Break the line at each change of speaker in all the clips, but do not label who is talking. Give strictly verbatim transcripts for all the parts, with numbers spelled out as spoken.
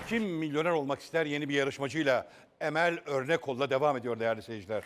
Kim milyoner olmak ister yeni bir yarışmacıyla Emel Örnekol'la devam ediyor değerli seyirciler.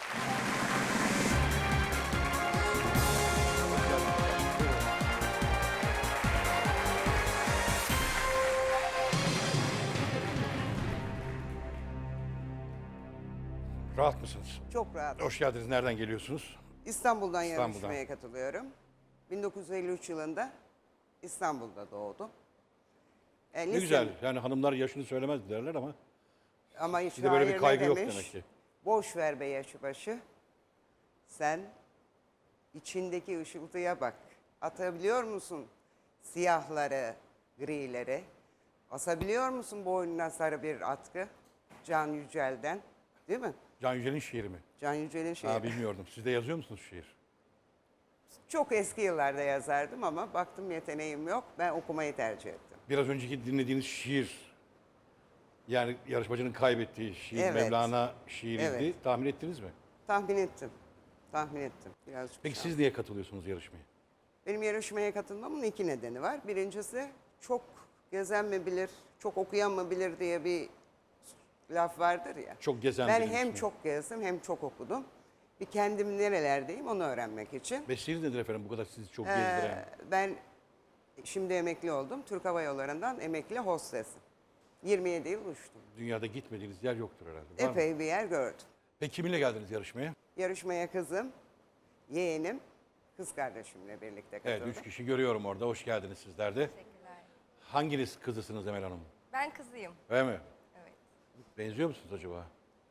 Rahat mısınız?
Çok rahat.
Hoş geldiniz. Nereden geliyorsunuz?
İstanbul'dan,
İstanbul'dan.
yarışmaya katılıyorum. bin dokuz yüz elli üç yılında İstanbul'da doğdum. E,
Ne
lise-
güzel. Yani hanımlar yaşını söylemez derler ama
Ama hiç
sizde böyle bir
şair ne
kaygı yok
demiş?
demek ki.
Boş ver be yaşı başı. Sen içindeki ışıltıya bak. Atabiliyor musun siyahları, grileri? Asabiliyor musun boynuna sarı bir atkı? Can Yücel'den. Değil mi?
Can Yücel'in şiiri mi?
Can Yücel'in şiiri.
Ha, bilmiyordum. Siz de yazıyor musunuz şiir?
Çok eski yıllarda yazardım ama baktım yeteneğim yok. Ben okumayı tercih ettim.
Biraz önceki dinlediğiniz şiir, yani yarışmacının kaybettiği şiir,
Evet.
Mevlana şiiriydi.
Evet.
Tahmin ettiniz mi?
Tahmin ettim. Tahmin ettim. Birazcık
Peki
şans.
siz niye katılıyorsunuz yarışmaya?
Benim yarışmaya katılmamın iki nedeni var. Birincisi çok gezen mi bilir, çok okuyan mı bilir diye bir laf vardır ya.
Çok gezen
Ben
bilir
hem
misiniz?
çok gezdim hem çok okudum. Bir kendim nerelerdeyim onu öğrenmek için.
Mesleğiniz nedir efendim bu kadar sizi çok
Ee,
gezdiren?
ben şimdi emekli oldum. Türk Hava Yolları'ndan emekli hostesim. yirmi yedi yıl uçtum.
Dünyada gitmediğiniz yer yoktur herhalde. Var mı?
Epey bir yer gördüm.
Peki kiminle geldiniz yarışmaya?
Yarışmaya kızım, yeğenim, kız kardeşimle birlikte
Evet,
katıldım.
üç kişi görüyorum orada. Hoş geldiniz sizler de.
Teşekkürler.
Hanginiz kızısınız Emel Hanım?
Ben kızıyım.
Öyle mi?
Evet.
Benziyor musunuz acaba?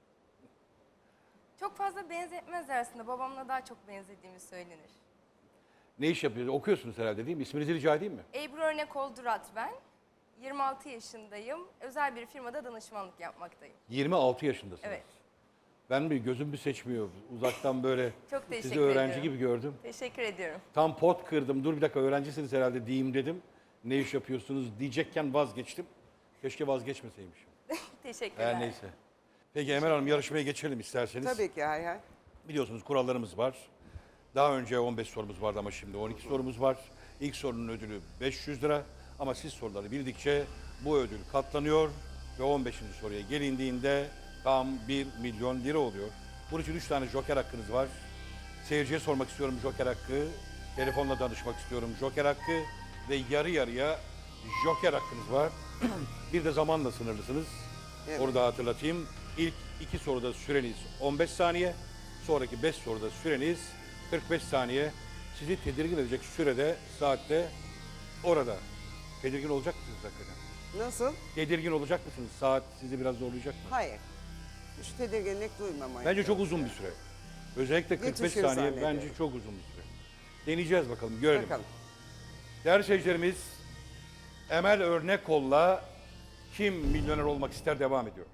Çok fazla benzetmez aslında. Babamla daha çok benzediğimi söylenir.
Ne iş yapıyorsunuz? Okuyorsunuz herhalde değil mi? İsminizi rica edeyim mi?
Ebru Örnekol Durat ben. yirmi altı yaşındayım. Özel bir firmada danışmanlık yapmaktayım.
yirmi altı yaşındasınız.
Evet.
Ben bir gözüm bir seçmiyor. Uzaktan böyle
Çok
sizi
teşekkür
öğrenci
ediyorum.
gibi gördüm.
Teşekkür ediyorum.
Tam pot kırdım. Dur bir dakika öğrencisiniz herhalde diyeyim dedim. Ne iş yapıyorsunuz diyecekken vazgeçtim. Keşke vazgeçmeseymişim.
Teşekkürler.
Her neyse. Peki Emel Hanım yarışmaya geçelim isterseniz.
Tabii ki hay hay.
Biliyorsunuz kurallarımız var. Daha önce on beş sorumuz vardı ama şimdi on iki sorumuz var. İlk sorunun ödülü beş yüz lira. Ama siz soruları bildikçe bu ödül katlanıyor. Ve on beşinci soruya gelindiğinde tam bir milyon lira oluyor. Bunun için üç tane joker hakkınız var. Seyirciye sormak istiyorum joker hakkı. Telefonla danışmak istiyorum joker hakkı. Ve yarı yarıya joker hakkınız var. Bir de zamanla sınırlısınız.
Evet.
Onu da hatırlatayım. İlk iki soruda süreniz on beş saniye. Sonraki beş soruda süreniz kırk beş saniye. Sizi tedirgin edecek sürede, saatte orada. Tedirgin olacak mısınız hakikaten?
Nasıl?
Tedirgin olacak mısınız? Saat sizi biraz zorlayacak mı?
Hayır. Hiç tedirginlik duymamaya.
Bence çok uzun bir süre. Özellikle kırk beş
Yetişir
saniye
zannediyorum.
bence çok uzun bir süre. Deneyeceğiz bakalım, görelim.
Bakalım.
Değerli seyircilerimiz, Emel Örnekol'la Kim Milyoner Olmak İster devam ediyor.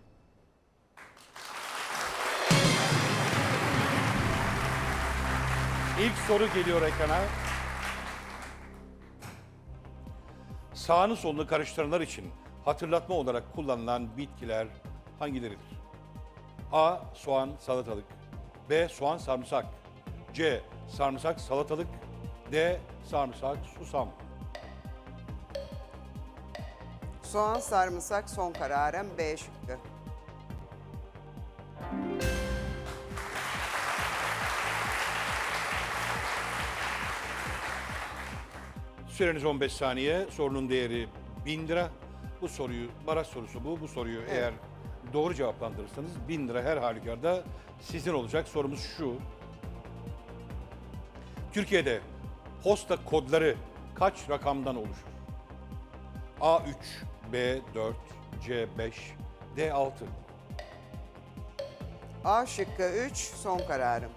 İlk soru geliyor ekrana. Sağını solunu karıştıranlar için hatırlatma olarak kullanılan bitkiler hangileridir? A. Soğan, salatalık. B. Soğan, sarımsak. C. Sarımsak, salatalık. D. Sarımsak, susam.
Soğan, sarımsak son kararım B şıkkı.
Süreniz on beş saniye. Sorunun değeri bin lira. Bu soruyu, baraj sorusu bu. Bu soruyu eğer doğru cevaplandırırsanız bin lira her halükarda sizin olacak. Sorumuz şu. Türkiye'de posta kodları kaç rakamdan oluşur? A üç, B dört, C beş, D altı.
A şıkkı üç son kararım.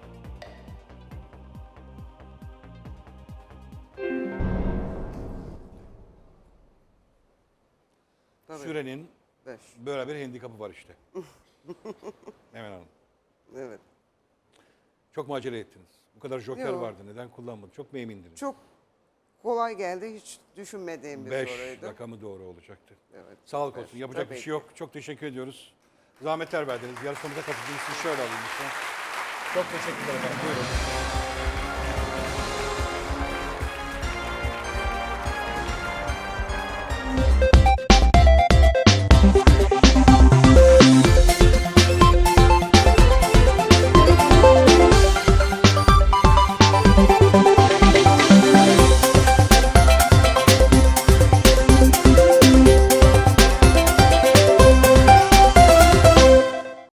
Tabii.
Sürenin
beş.
böyle bir handikapı var işte. Hemen Hanım.
Evet.
Çok mu acele ettiniz? Bu kadar joker
Yok.
vardı. Neden kullanmadınız? Çok mu emindiniz?
Çok kolay geldi. Hiç düşünmediğim bir
Beş
soruydu.
rakamı doğru olacaktı.
Evet.
Sağlık
Beş.
olsun. Yapacak
Tabii
bir şey yok. Çok teşekkür ediyoruz. Zahmetler verdiniz. Yarışmamıza katıldığınız için şöyle alayım lütfen. Çok teşekkürler efendim. Buyurun.